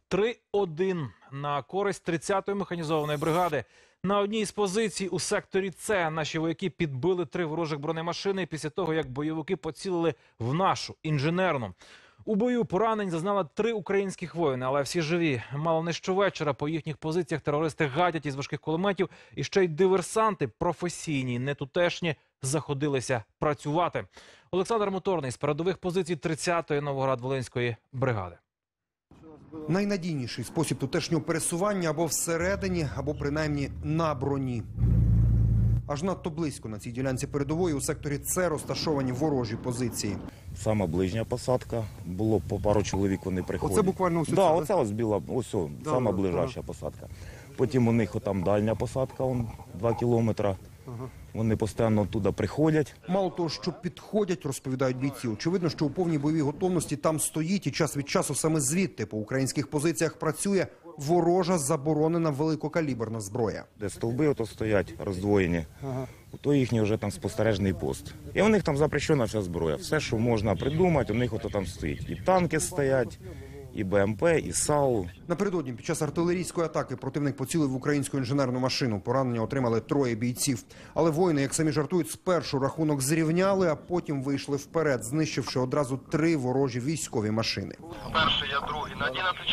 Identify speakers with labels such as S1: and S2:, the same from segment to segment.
S1: 3-1 на користь 30-ї механізованої бригади. На одній з позицій у секторі С наші вояки підбили 3 ворожих бронемашини після того, як бойовики поцілили в нашу інженерну. У бою поранень зазнали 3 українських воїни, але всі живі. Мало не щовечора по їхніх позиціях терористи гадять із важких кулеметів, і ще й диверсанти професійні, не тутешні, заходилися працювати. Олександр Моторний з передових позицій 30-ї Новоград-Волинської бригади.
S2: Найнадійніший спосіб тутешнього пересування або всередині, або принаймні на броні. Аж надто близько на цій ділянці передової у секторі С розташовані ворожі позиції.
S3: Сама ближня посадка, було по пару чоловік, вони приходять.
S2: Оце буквально ось це?
S3: Да, оце ось біла, ось сама ближайша посадка. Потім у них там дальня посадка, 2 кілометри. Вони постійно туди приходять.
S2: Мало того, що підходять, розповідають бійці. Очевидно, що у повній бойовій готовності там стоїть і час від часу саме звідти по українських позиціях працює ворожа заборонена великокаліберна зброя.
S3: Де стовби ото стоять роздвоєні, то їхній вже там спостережний пост. І у них там запрещена вся зброя. Все, що можна придумати, у них ото там стоїть. І танки стоять, і БМП, і САУ.
S2: Напередодні під час артилерійської атаки противник поцілив в українську інженерну машину. Поранення отримали 3 бійців. Але воїни, як самі жартують, спершу рахунок зрівняли, а потім вийшли вперед, знищивши одразу 3 ворожі військові машини.
S4: Перший, я другий. На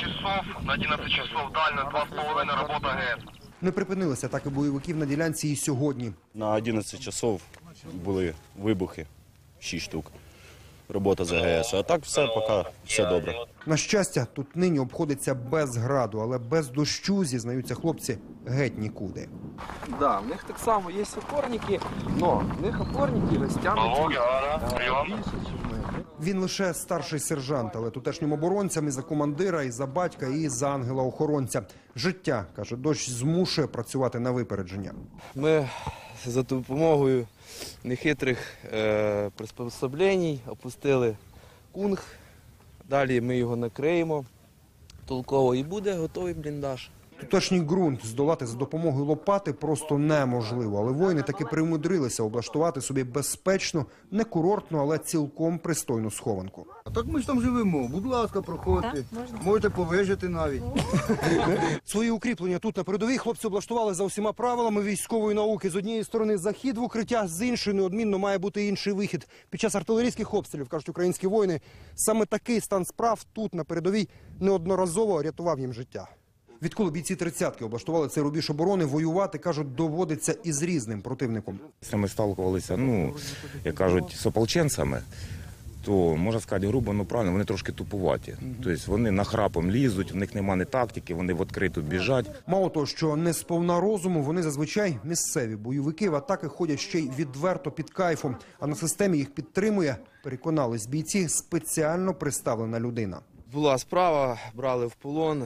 S4: 11 часов дально, 2,5 робота ГЕС.
S2: Не припинилися атаки бойовиків на ділянці і сьогодні.
S5: На 11 часов були вибухи, 6 штук. Робота з АГС. А так все, поки все добре.
S2: На щастя, тут нині обходиться без граду, але без дощу, зізнаються хлопці, геть нікуди.
S6: Да, в них так само є опорники, але в них опорники розтягнуті більше, ніж ми.
S2: Він лише старший сержант, але тутешнім оборонцям і за командира, і за батька, і за ангела-охоронця. Життя, каже, дощ змушує працювати на випередження.
S6: Ми за допомогою нехитрих приспособлень опустили кунг, далі ми його накриємо толково і буде готовий бліндаж.
S2: Тутешній ґрунт здолати за допомогою лопати просто неможливо, але воїни таки примудрилися облаштувати собі безпечну, не курортну, але цілком пристойну схованку.
S7: А так ми ж там живемо. Будь ласка, проходьте. Можете повижити навіть.
S2: Свої укріплення тут на передовій хлопці облаштували за усіма правилами військової науки. З однієї сторони захід в укриття, з іншої неодмінно має бути інший вихід. Під час артилерійських обстрілів, кажуть українські воїни, саме такий стан справ тут на передовій неодноразово рятував їм життя. Відколи бійці 30-ки облаштували цей рубіж оборони, воювати, кажуть, доводиться із різним противником.
S3: Ми сталкувалися, як кажуть, з ополченцями, то, можна сказати, грубо, правильно, вони трошки тупуваті. Тобто вони нахрапом лізуть, в них немає тактики, вони в відкриту біжать.
S2: Мало того, що не сповна розуму, вони зазвичай місцеві бойовики в атаки ходять ще й відверто під кайфом. А на системі їх підтримує, переконались бійці, спеціально приставлена людина.
S6: Була справа, брали в полон.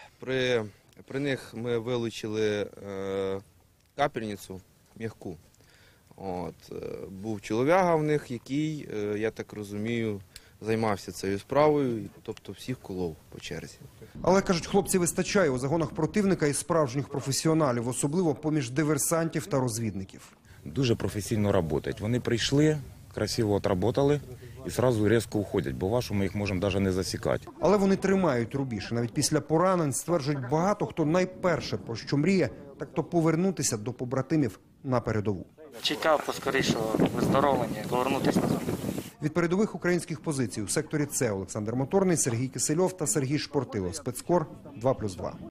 S6: При них ми вилучили капельницю м'яку. Був чолов'яга в них, який, я так розумію, займався цією справою, тобто всіх колов по черзі.
S2: Але, кажуть, хлопці вистачає у загонах противника і справжніх професіоналів, особливо поміж диверсантів та розвідників.
S3: Дуже професійно працюють. Вони прийшли, красиво отработали і одразу різко уходять, бо вашу ми їх можемо навіть не засікати.
S2: Але вони тримають рубіж. І навіть після поранень, стверджують, багато хто найперше про що мріє, так то повернутися до побратимів на передову.
S8: Чекав поскорішого виздоровлення, повернутися назад.
S2: Від передових українських позицій у секторі С Олександр Моторний, Сергій Кисельов та Сергій Шпортило. Спецкор 2+2.